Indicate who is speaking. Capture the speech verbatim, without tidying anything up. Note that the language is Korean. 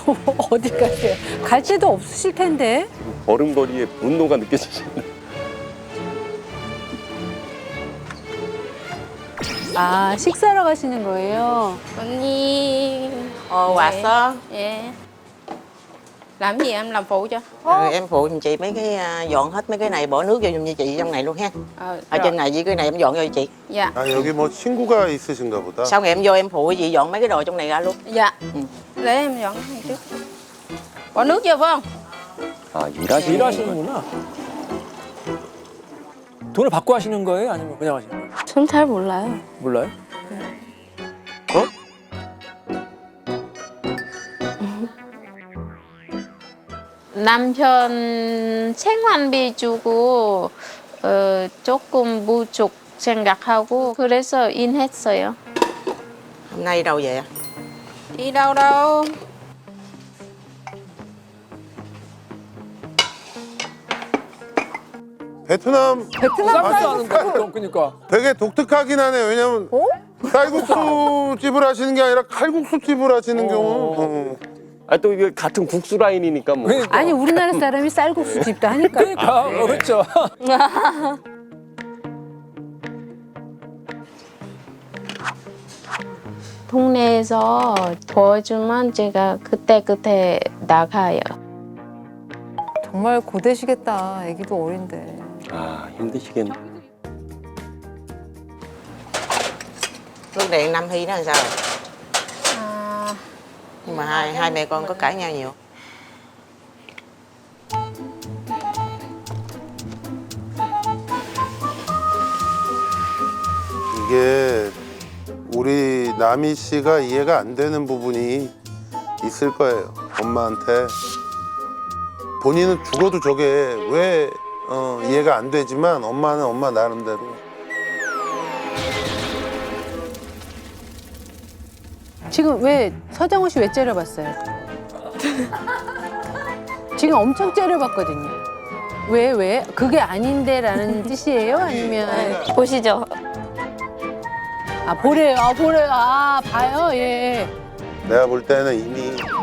Speaker 1: 어디 가세요? 갈 데도 없으실 텐데.
Speaker 2: 걸음걸이에 분노가 느껴지시는.
Speaker 1: 아, 식사하러 가시는 거예요?
Speaker 3: 언니.
Speaker 4: Ồ, 왔어.
Speaker 3: Dạ. Làm gì em làm phụ cho?
Speaker 4: Ừ, em phụ giùm chị mấy cái à, dọn hết mấy cái này, bỏ nước vô giùm cho chị trong này luôn ha.
Speaker 3: Ờ,
Speaker 4: Ở
Speaker 3: rồi.
Speaker 4: trên này với cái này em dọn vô cho chị.
Speaker 3: Dạ.
Speaker 5: 아 여기 뭐 친구가 있으신가 보다.
Speaker 4: Sau ngày em vô em phụ chị dọn mấy cái đồ trong này ra luôn.
Speaker 3: Dạ.
Speaker 4: Ừ.
Speaker 3: Để em dọn cái này trước. Bỏ nước vô phải không?
Speaker 2: 아, 일하시는
Speaker 6: 일하시는구나. 돈을 받고 하시는 거예요? 아니면 그냥 하시는 거예요?
Speaker 3: 전 잘 몰라요.
Speaker 6: 몰라요?
Speaker 2: 어?
Speaker 3: 남편 생활비 주고 어, 조금 부족 생각하고 그래서 인했어요.
Speaker 4: Hôm nay đi đâu về?
Speaker 3: Đi đâu đâu.
Speaker 5: 베트남
Speaker 1: 베트남
Speaker 6: 쌀국수 하는 거, 그러니까.
Speaker 5: 되게 독특하긴 하네요. 왜냐면 쌀국수 집을 하시는 게 아니라 칼국수 집을 하시는 경우. 어.
Speaker 2: 아, 또 이게 같은 국수 라인이니까 뭐.
Speaker 6: 그러니까.
Speaker 1: 아니, 우리나라 사람이 쌀국수 집도 하니까.
Speaker 6: 그러니까, 어, 그렇죠.
Speaker 3: 동네에서 도와주면 제가 그때그때 나가요.
Speaker 1: 정말 고되시겠다. 애기도 어린데.
Speaker 2: 아, 힘드시겠네.
Speaker 4: Lúc này Nam Hy nó làm sao rồi?
Speaker 3: À,
Speaker 4: Nhưng mà hai hai mẹ con có cãi nhau nhiều.
Speaker 5: 이게 우리 남희 씨가 이해가 안 되는 부분이 있을 거예요. 엄마한테. 본인은 죽어도 저게 왜 어, 이해가 안 되지만 엄마는 엄마 나름대로.
Speaker 1: 지금 왜 서장훈 씨 왜 째려봤어요? 지금 엄청 째려봤거든요. 왜 왜? 그게 아닌데라는 뜻이에요? 아니면
Speaker 3: 보시죠.
Speaker 1: 아 보래요, 아 보래요, 아 봐요, 예.
Speaker 5: 내가 볼 때는 이미